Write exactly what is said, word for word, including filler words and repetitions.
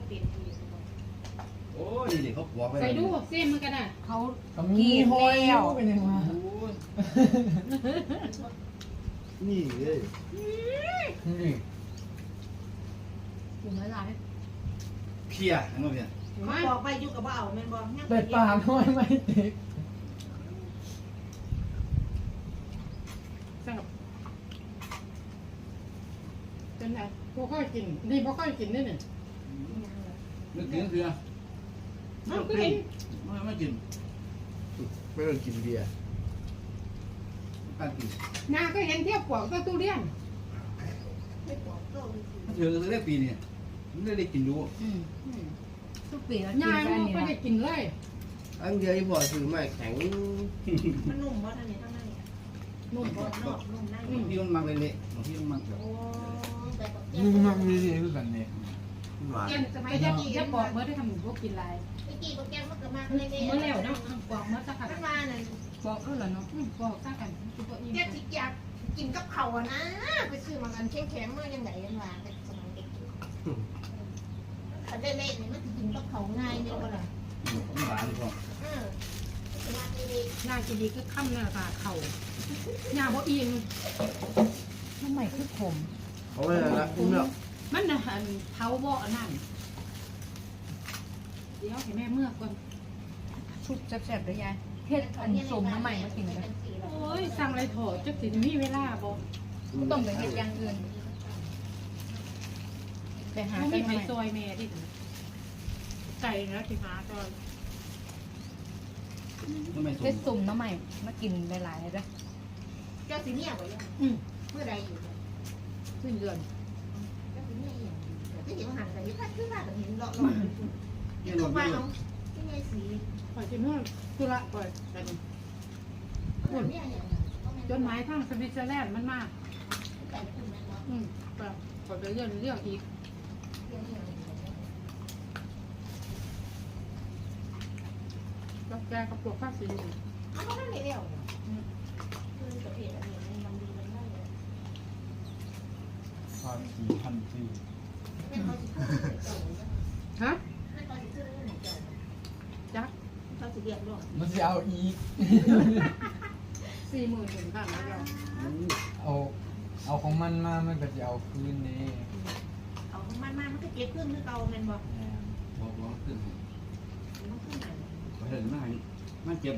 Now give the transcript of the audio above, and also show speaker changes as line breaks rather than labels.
เป็นที
โอ้ยนี่เขาบอกไป
ใส่ดูเส้นมันก็ได้
เขา
มีหอยเป็นยังไง
นี่เลย
นี่
อยู่เมื่อไร
เพียอันนั้นเพีย
มาบอกไปอยู่กับว่าเอาแม่นบอก
เป็ดป่าน้อยไม่ติด
แซ่บเป็นไงพวกค่อยกินนี่พวกค่อยกินนี่เนี่ย
นึกถึงเพีย
มันก็เห็น
ไม่ไม่กิน
ไม่ต้องกินเบียร์
การกิน
นาก็เห็นเทียบปวกก็ตู้เรียน
ไม่บอกก็
มันเจอตั้งแต่ปีนี้มันได้ได้กินดู
อืมทุกปีแล้ว
ยาย
กิน
มัน
กัน
ก็
นี่
ได้กินเลย
อันเดียวที่พอซื้อมาแข็ง
มันนุ่มว่าท่านนี้ทั้งนั้น
นุ่ม
บนนอกนุ่มใน
บางทีมันมักเละๆบางทีมันมักแบบ
โอ้แต่ก็
นี่มันมีดีคือกันเนี่ย
หวาน
แกนสมัยจะจะปอกเมื่อได้ทำหมูพวกกินลาย
ไอ้กี่โปรแกรมมันก็มาเลย
เมื่อแล้วเนาะปอกเมื่อสัก
ท่า
กัน
นมาน่ะ
ปอกแล้วเหรอเนาะปอกสักกันคือตัวอิ่ม
แกสิอยากกินกับเขาอ่ะนะไปซื้อมากันแข็งๆเมื่อยังไงยังว่าเป็นสมัยเด็กถ้าได้เล่นนี่มันกินกับเขาง่ายเนี่ยก็ล่ะ
มันหวานพอ
เออสมัยเด็ก
ยากินดีก็ค่ำหน้าตาเข่ายาบ่อิ่ม
ทำไมคือผม
เขาไม่ละละอุ้มแล้ว
มันน่ะหันเท้าบ่อนั่นเดี๋ยวให้แม่เมื่อก่อน
ชุบแซ่บๆด้วยยายเฮ็ดอันสมน้ำใหม่มากินกัน
โอ้ยสั่งอะไรโถจักสิมีเวลาบ่
ต้องไปเฮ็ดอย่างอื่นไปหา
เขา
กั
มี
น
ไผ่
ใหม่
ซอยแม่ที่ไก่แล้วที่หาตอน
มันไม่ส
เฮ็ด
ม
สมน้ำใหม่มากินหลายๆเลย
เจ้าสิเนี่ยบ่ยัง
อืม
เมื่อใดอยู่
ขึ้นเดือน
เจ้าสิเนี่ยอย่างที่เห็นหันไปพัดขึ้นมาเห็นเลาะๆ
เนี่ย
ตั
เรา
ว
ไม่
ว่า
รู้
เอาที่ไงสี
ปล่อยจะเมื่อตุละปล่อยกัน
เนี่ยอย่าง
จนหมายทางสวิตเซอร์แลนด์มันมาก
ไก่คุณแม่เนาะ
อืมปล่อยปล่อยไปเรื่องเรื่องอีก
เรื่องอย่าง
กับแกกับปลวกข้าวสี
เอาเพราะนั่นไม่เร็วคือประเภทอันนี้มันดีมันได้เลย
พันสี่พันสี่
แม่เขาสิพูดเจ้า
ฮะ
แม่เขาสิพูดเรื่องเจ้า
จัก
เขาสิเรียกร้อง
มันจะเอาอีก
สี่หมื่นหนึ่งพันแล้วเรา
เอาเอาของมันมามันก็จะเอาคืนนี้
เอามันมามันก็เก็บขึ้นคือเก่าแม่นบ่
บอกบอกขึ้น
มันขึ้นไหน
เขาเห็นมันมันเจ็บ